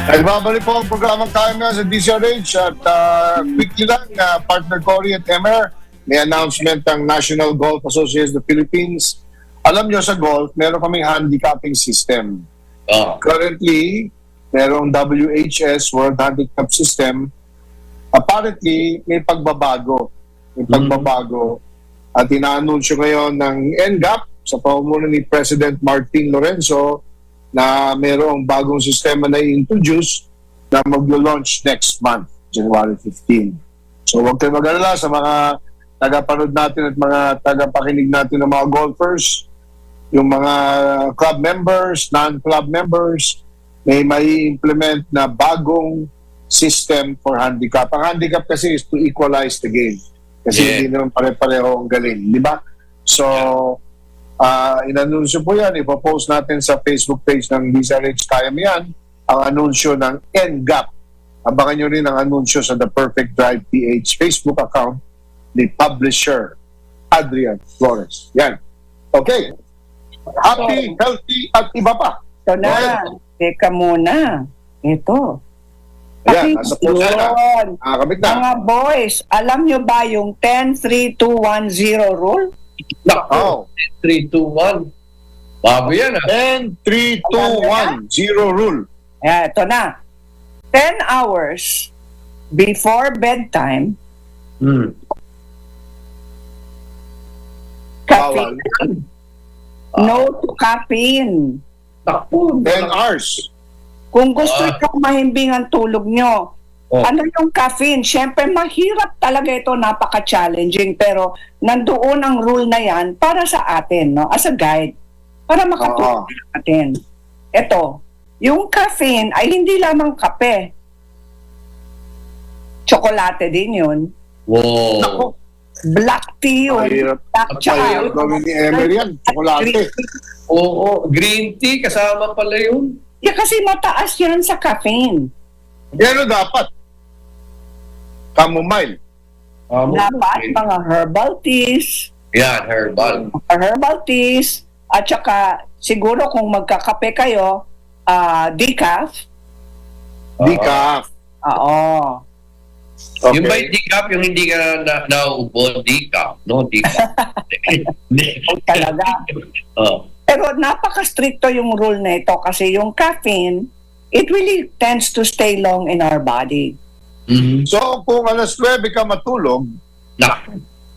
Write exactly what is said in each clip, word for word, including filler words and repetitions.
Nagbabalik po ang programang Time na sa D C R H at uh, quickly lang, uh, partner Cory at Emer, may announcement ng National Golf Association of the Philippines. Alam nyo sa golf, meron kaming handicapping system. Oh. Currently, merong W H S, World Handicap System. Apparently, may pagbabago. May pagbabago. At inaanunsyo ngayon ng N G A P sa pamumuno ni President Martin Lorenzo na mayroong bagong sistema na i-introduce na mag-launch next month, January fifteenth. So huwag kayo mag-alala sa mga tagapanood natin at mga tagapakinig natin ng mga golfers, yung mga club members, non-club members, may may implement na bagong system for handicap. Ang handicap kasi is to equalize the game. Kasi Yeah. hindi naman pare-pareho ang galing, di ba? So, uh, inanunsyo po yan, ipopost natin sa Facebook page ng D C R H Kaya Mo Yan, ang anunsyo ng N G A P. Abangan nyo rin ang anunsyo sa The Perfect Drive P H Facebook account ni publisher Adrian Flores. Yan. Okay. Happy, healthy, at iba pa. Ito na. Teka muna. Ito. Ayan, nasa post na na. Yun. Ah, kabit na. Mga boys, alam nyo ba yung ten three two one zero rule? Oh. three, two, one. Bago yan ah. ten three two one zero rule. Ayan, ito na. ten hours before bedtime, Hmm. caffeine. Bawal. No to caffeine. Takpo. ten hours. Kung gusto Ah. nyo mahimbing ang tulog nyo, Oh. ano yung caffeine? Siyempre, mahirap talaga ito, napaka-challenging. Pero nandoon ang rule na yan para sa atin, no? As a guide, para makatulong natin. Ito, yung caffeine ay hindi lamang kape. Tsokolate din yun. Wow. Naku, Black tea yun. mahirap. Black tsaka Mahirap gawin ni Emer yan. Chocolate. Oo. Green tea, kasama pala yun. Yeah, kasi mataas yan sa caffeine. Pero dapat. Chamomile. Um, Dapat mga herbal teas, Yan, herbal. herbal teas, at saka siguro kung magkakape kayo, ah, decaf. Decaf. Oo. Okay. Yung ba yung decaf, yung hindi ka na, na nauubo, decaf. No, decaf. Talaga. Oh. Pero napaka-stricto yung rule na ito kasi yung caffeine, it really tends to stay long in our body. Mhm. So, kung alas nuwebe ka matulog, Nak.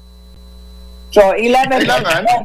So, eleven Kailangan?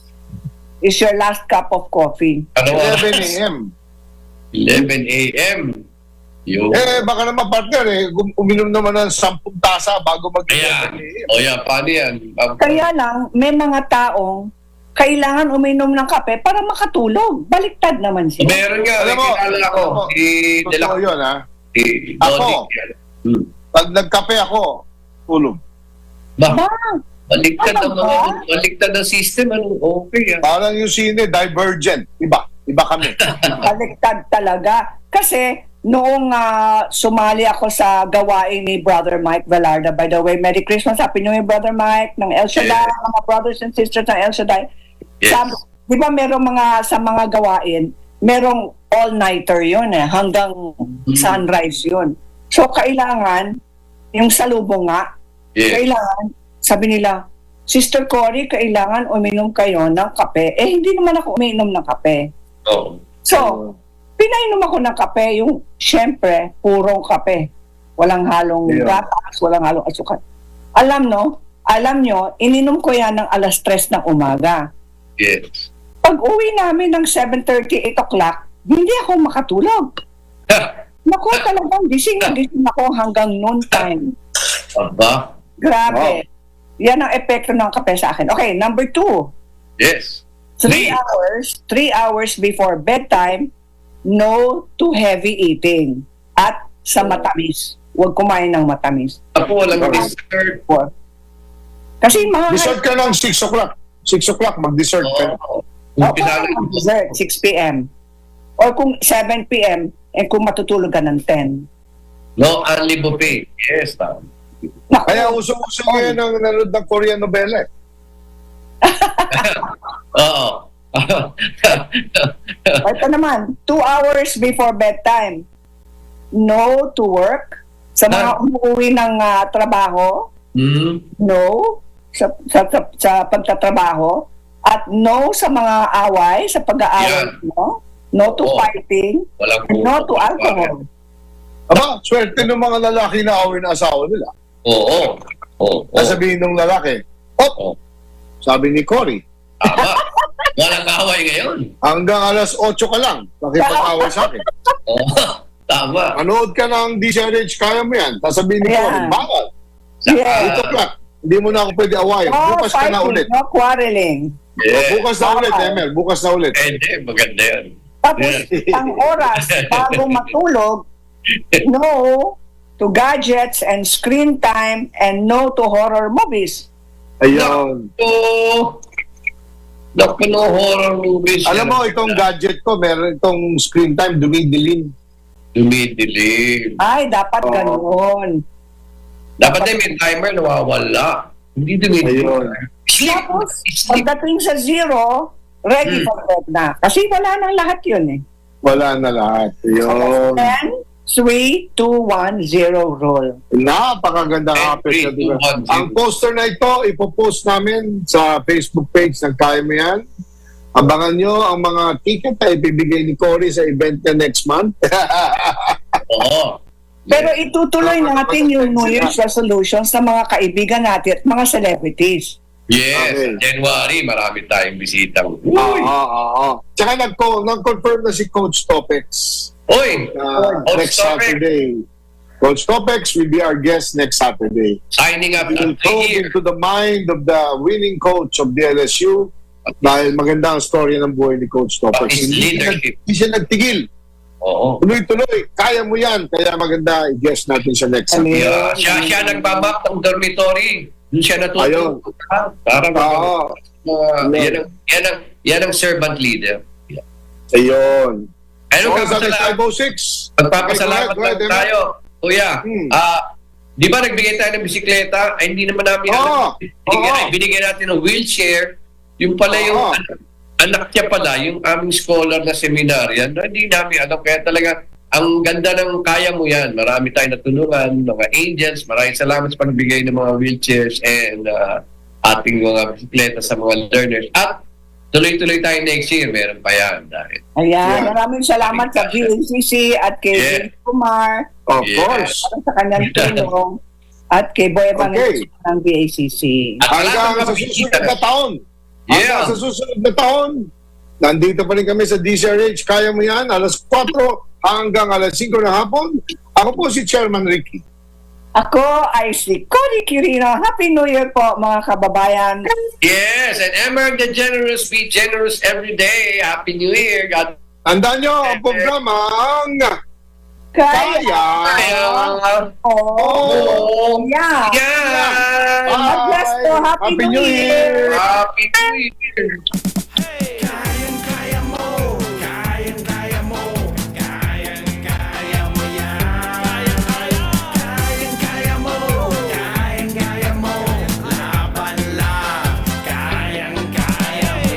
is your last cup of coffee. Ano eleven oras? a m eleven a m Yo. Eh, baka naman partner eh, gum- uminom naman ng sampung tasa bago mag-eleven Ayan. a m O yan, paano yan? Um, Kaya lang, may mga taong kailangan uminom ng kape para makatulog. Baliktad naman sila. meron nga, Alam may mo, kilala ko. alam mo, Si De La Totoo yun, ha? Si Ako. Donic yan. Hmm. Pag nagkape ako, tulog. Ba, Ba? baliktad Ano ng mga, ba? baliktad ng system. Ano, okay ah. Parang yung sine, divergent. Iba. Iba kami. Baliktad talaga. Kasi noong ah, sumali ako sa gawain ni Brother Mike Velarda, by the way, Merry Christmas, Happy New Year, Brother Mike, ng El Shaddai, Yes. mga brothers and sisters ng El Shaddai. Yes. Sabi, di ba merong mga, sa mga gawain, merong all-nighter yun eh, hanggang sunrise yun. So, kailangan, yung salubong nga, Yes. kailangan, sabi nila, Sister Cory, kailangan uminom kayo ng kape. Eh, hindi naman ako uminom ng kape. Oh. So, pinainom ako ng kape, yung syempre, purong kape. Walang halong Yeah. gatas, walang halong asukal. Alam no, alam nyo, ininom ko yan ng alas tres ng umaga. Yes. Pag uwi namin ng seven thirty, eight o'clock, hindi ako makatulog. Naku, talagang gising na gising ako hanggang noon time. Aba. Grabe. Yan ang epekto ng kape sa akin. Okay, number two. Yes. Three Three. hours, three hours before bedtime, no to heavy eating. At sa matamis. Huwag kumain ng matamis. Ako walang Okay. dessert. Four. Kasi mga... Dessert ka ng six o'clock. six o'clock, mag-dessert ka. Oo. Oh, Pinalo kung dessert, six p m Or kung seven p m eh kung matutulog ka ng ten. No, only buffet. Yes, tama. Naku, Kaya uso-uso ngayon ang nanonood ng Korean novela. Oo. ito naman, two hours before bedtime, no to work. Sa mga Ah. umuwi ng ah, trabaho, Hmm. no sa, sa, sa, sa pagtatrabaho. At no sa mga away, sa pag-aaway, Yan. no? No to Oo. fighting, Walang and no to alcohol. Aba, swerte ng mga lalaki na away na asawa nila. Oo. Oo. Oo. Sasabihin ng lalaki, "Op," Oo. sabi ni Cory, Tama. Walang kaaway ngayon. hanggang alas otso ka lang, makipag-away sa akin. Oo. Tama. Manood ka ng D C R H, kaya mo yan. Sasabihin ni Ayan. Cory, bawal. Yeah. eight o'clock, hindi mo na ako pwede awayin. No Bukas ka na fighting, ulit. no quarreling. Yeah. Bukas na ulit, Emel. Bukas na ulit. Pwede. Maganda yan. Tapos, Yeah. ang oras bago matulog, no to gadgets and screen time, and no to horror movies. Ayun. So, naku, no horror movies. Alam mo, itong gadget ko, meron itong screen time, dumidilim. Dumidilim. Ay, dapat Oo. ganoon. Dapat din may timer nawawala. Hindi dumidilim. Ayun. Sleep. Tapos, Sleep. pagdating sa zero, ready Hmm. for bed na. Kasi wala nang lahat yun eh. Wala na lahat. Ayun. ten, three, two, one, zero rule. Napakaganda ten, kapit three, na diba? two, one, zero. Ang poster na ito, ipopost namin sa Facebook page ng Kaya Mo Yan. Abangan nyo ang mga ticket na ibibigay ni Cory sa event niya next month. Oo. Pero itutuloy natin yung New Year's resolutions sa mga kaibigan natin at mga celebrities. Yes. Okay. January, marami tayong bisita. Oo, oo, oo. Tsaka nag- nag-confirm na si Coach Topex Uy! uh, Coach next Topex. Saturday. Coach Topex will be our guest next Saturday. Signing up We will at the probe year. into the mind of the winning coach of the L S U dahil maganda ang story ng buhay ni Coach Topex. His Hindi, siya nag- leadership. hindi siya nagtigil. Oo. Tuloy-tuloy. Kaya mo yan. Kaya maganda i-guest natin siya next Saturday. Yeah. Siya, siya nagmamap ng dormitory. Doon siya Ayun. natutulog. Para Oo. uh, yan, ang, yan, ang, yan ang servant leader. Yeah. Ayun. Ano Oh, ka sabi pasalamat? five oh six. Magpapasalamat Okay, go ahead, lang go ahead, tayo. Kuya, Hmm. ah, di ba nagbigay tayo ng bisikleta? Ay, hindi naman namin Oo. alam. Binigyan, Oo. binigyan natin ng wheelchair. Yung pala yung Oo. anak, anak niya pala, yung aming scholar na seminaryan, na hindi namin alam. Kaya talaga, ang ganda ng kaya mo yan. Marami tayong natulungan, mga angels. Maraming salamat sa pagbigay ng mga wheelchairs and ah, ating mga bisikleta sa mga learners. At tuloy-tuloy tayo next year. Meron pa yan. Dahil. Ayan, Yeah. maraming salamat sa V A C C at kay Yeah. James Kumar Of Yeah. course. para sa kanyang tulong at kay Boy Evangelista Okay. ng V A C C. At Hanggang salamat sa mga susunod bisita. na taon. Yeah. Hanggang sa susunod na taon. Nandito pa rin kami sa D C R H. Kaya mo yan. Alas kwatro hanggang alas singko ng hapon. Ako po si Chairman Ricky. Ako ay si Cory Quirino. Happy New Year po mga kababayan. Yes, and Emmer the Generous, be generous every day. Happy New Year. God Tandaan nyo ang programang Kaya. Kaya. Kaya. Oh. Yeah. Yeah. God bless po. Happy, Happy New New Year. Year. Happy New Year.